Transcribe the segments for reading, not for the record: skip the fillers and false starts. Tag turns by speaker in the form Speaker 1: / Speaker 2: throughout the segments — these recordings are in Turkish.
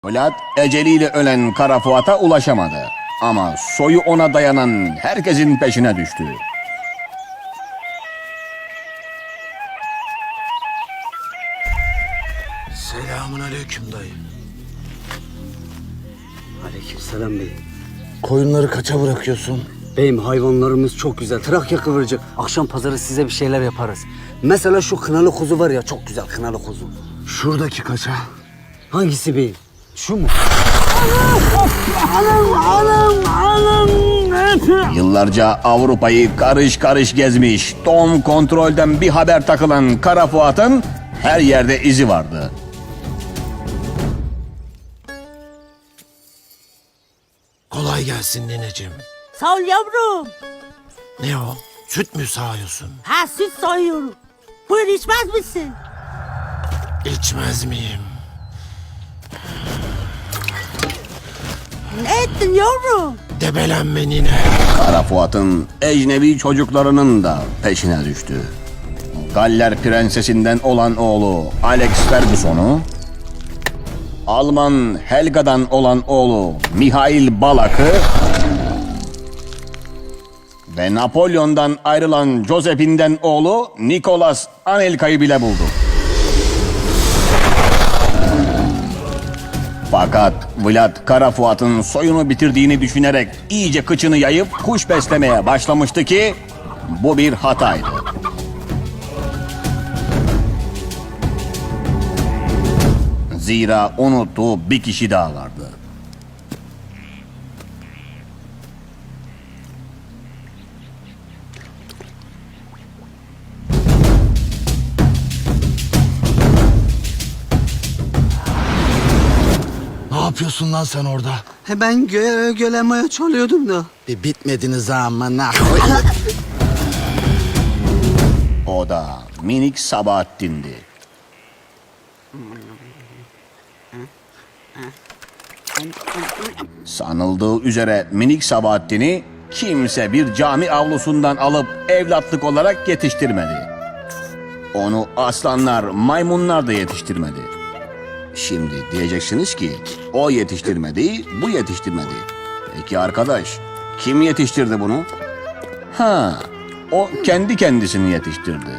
Speaker 1: Vlad eceliyle ölen Kara Fuat'a ulaşamadı. Ama soyu ona dayanan herkesin peşine düştü.
Speaker 2: Selamun aleyküm dayı.
Speaker 3: Aleykümselam beyim.
Speaker 2: Koyunları kaça bırakıyorsun?
Speaker 3: Beyim hayvanlarımız çok güzel. Trakya kıvırcık. Akşam pazarı size bir şeyler yaparız. Mesela şu kınalı kuzu var ya, çok güzel kınalı kuzu.
Speaker 2: Şuradaki kaça?
Speaker 3: Hangisi beyim? Şu mu?
Speaker 1: Yıllarca Avrupa'yı karış karış gezmiş, Tom kontrolden bir haber takılan Kara Fuat'ın her yerde izi vardı.
Speaker 2: Kolay gelsin nineciğim.
Speaker 4: Sağ ol yavrum.
Speaker 2: Ne o? Süt mü sağıyorsun?
Speaker 4: Ha süt soyuyorum. Buyur içmez misin?
Speaker 2: İçmez miyim?
Speaker 4: Ne ettin yavrum?
Speaker 2: Debelenme nine.
Speaker 1: Kara Fuat'ın ecnebi çocuklarının da peşine düştü. Galler prensesinden olan oğlu Alex Ferguson'u, Alman Helga'dan olan oğlu Mihail Balak'ı ve Napolyon'dan ayrılan Josephine'den oğlu Nicolas Anelka'yı bile buldu. Fakat Vlad Kara Fuat'ın soyunu bitirdiğini düşünerek iyice kıçını yayıp kuş beslemeye başlamıştı ki bu bir hataydı. Zira unuttuğu bir kişi daha vardı.
Speaker 2: Ne yapıyorsun lan sen orada?
Speaker 3: Ben gölemeye çalıyordum da.
Speaker 2: Bir bitmediniz amına.
Speaker 1: O da minik Sabahattin'di. Sanıldığı üzere minik Sabahattin'i kimse bir cami avlusundan alıp evlatlık olarak yetiştirmedi. Onu aslanlar, maymunlar da yetiştirmedi. Şimdi diyeceksiniz ki o yetiştirmedi, bu yetiştirmedi. Peki arkadaş, kim yetiştirdi bunu? Ha, o kendi kendisini yetiştirdi.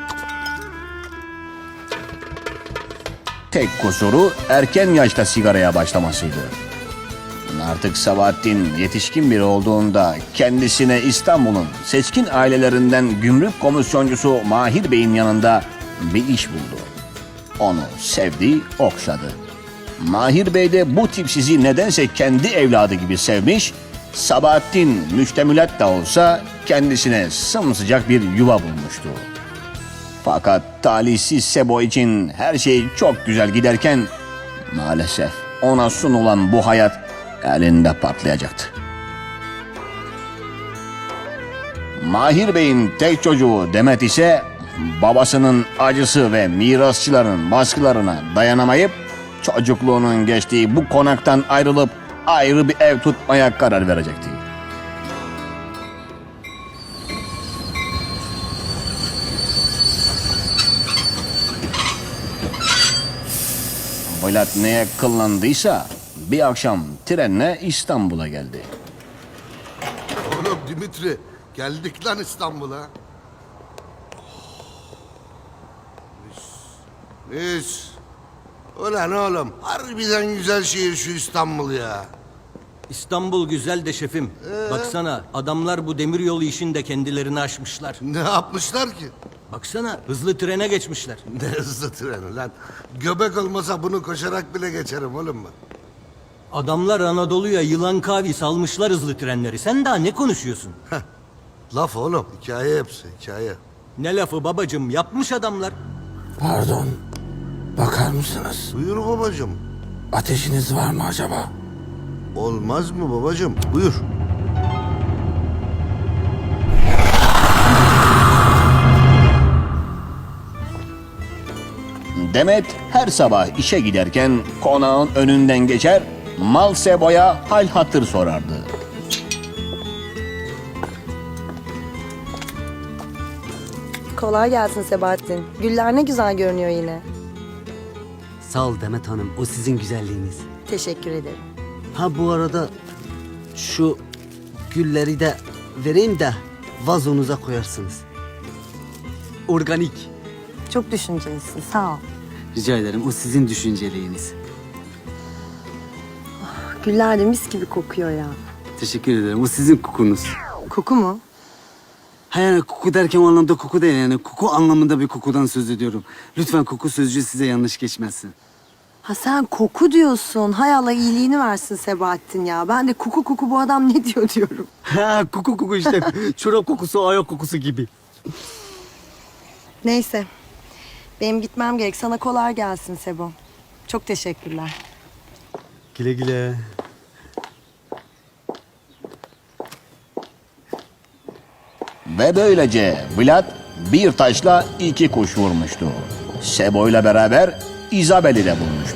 Speaker 1: Tek kusuru erken yaşta sigaraya başlamasıydı. Artık Sabahattin yetişkin biri olduğunda kendisine İstanbul'un seçkin ailelerinden gümrük komisyoncusu Mahir Bey'in yanında bir iş buldu. Onu sevdi, okşadı. Mahir Bey de bu tipsizi nedense kendi evladı gibi sevmiş, Sabahattin müştemilat da olsa kendisine sımsıcak bir yuva bulmuştu. Fakat talihsiz Sebo için her şey çok güzel giderken maalesef ona sunulan bu hayat elinde patlayacaktı. Mahir Bey'in tek çocuğu Demet ise babasının acısı ve mirasçıların baskılarına dayanamayıp çocukluğunun geçtiği bu konaktan ayrılıp ayrı bir ev tutmaya karar verecekti. Vlad neye kıllandıysa bir akşam trenle İstanbul'a geldi.
Speaker 5: Oğlum Dimitri, geldik lan İstanbul'a. Mis. Ulan oğlum, harbiden güzel şehir şu İstanbul ya.
Speaker 6: İstanbul güzel de şefim. Baksana adamlar bu demiryolu işinde kendilerini aşmışlar.
Speaker 5: Ne yapmışlar ki?
Speaker 6: Baksana hızlı trene geçmişler.
Speaker 5: Ne hızlı treni lan. Göbek olmasa bunu koşarak bile geçerim oğlum ben.
Speaker 6: Adamlar Anadolu'ya yılan kavi salmışlar hızlı trenleri. Sen daha ne konuşuyorsun?
Speaker 5: Laf oğlum, hikaye hepsi, hikaye.
Speaker 6: Ne lafı babacım, yapmış adamlar.
Speaker 2: Pardon. Bakar mısınız?
Speaker 5: Buyur babacığım.
Speaker 2: Ateşiniz var mı acaba?
Speaker 5: Olmaz mı babacığım? Buyur.
Speaker 1: Demet her sabah işe giderken konağın önünden geçer, Mal Sebo'ya hal hatır sorardı.
Speaker 7: Kolay gelsin Sebahattin. Güller ne güzel görünüyor yine.
Speaker 3: Sağ ol Demet Hanım, o sizin güzelliğiniz.
Speaker 7: Teşekkür ederim.
Speaker 3: Ha bu arada şu gülleri de vereyim de vazonuza koyarsınız. Organik.
Speaker 7: Çok düşüncelisin, sağ ol.
Speaker 3: Rica ederim, o sizin düşünceliğiniz.
Speaker 7: Güller de mis gibi kokuyor ya.
Speaker 3: Teşekkür ederim, o sizin kokunuz.
Speaker 7: Koku mu?
Speaker 3: Ha yani koku derken o anlamda koku değil, yani koku anlamında bir kokudan söz ediyorum. Lütfen koku sözcüğü size yanlış geçmesin.
Speaker 7: Ha sen koku diyorsun. Hay Allah iyiliğini versin Sebahattin ya. Ben de koku bu adam ne diyor diyorum.
Speaker 3: Ha koku işte, çorap kokusu, ayak kokusu gibi.
Speaker 7: Neyse. Benim gitmem gerek. Sana kolay gelsin Sebo. Çok teşekkürler.
Speaker 3: Güle güle.
Speaker 1: Ve böylece Vlad bir taşla iki kuş vurmuştu. Sebo'yla beraber Isabel'i de bulmuştu.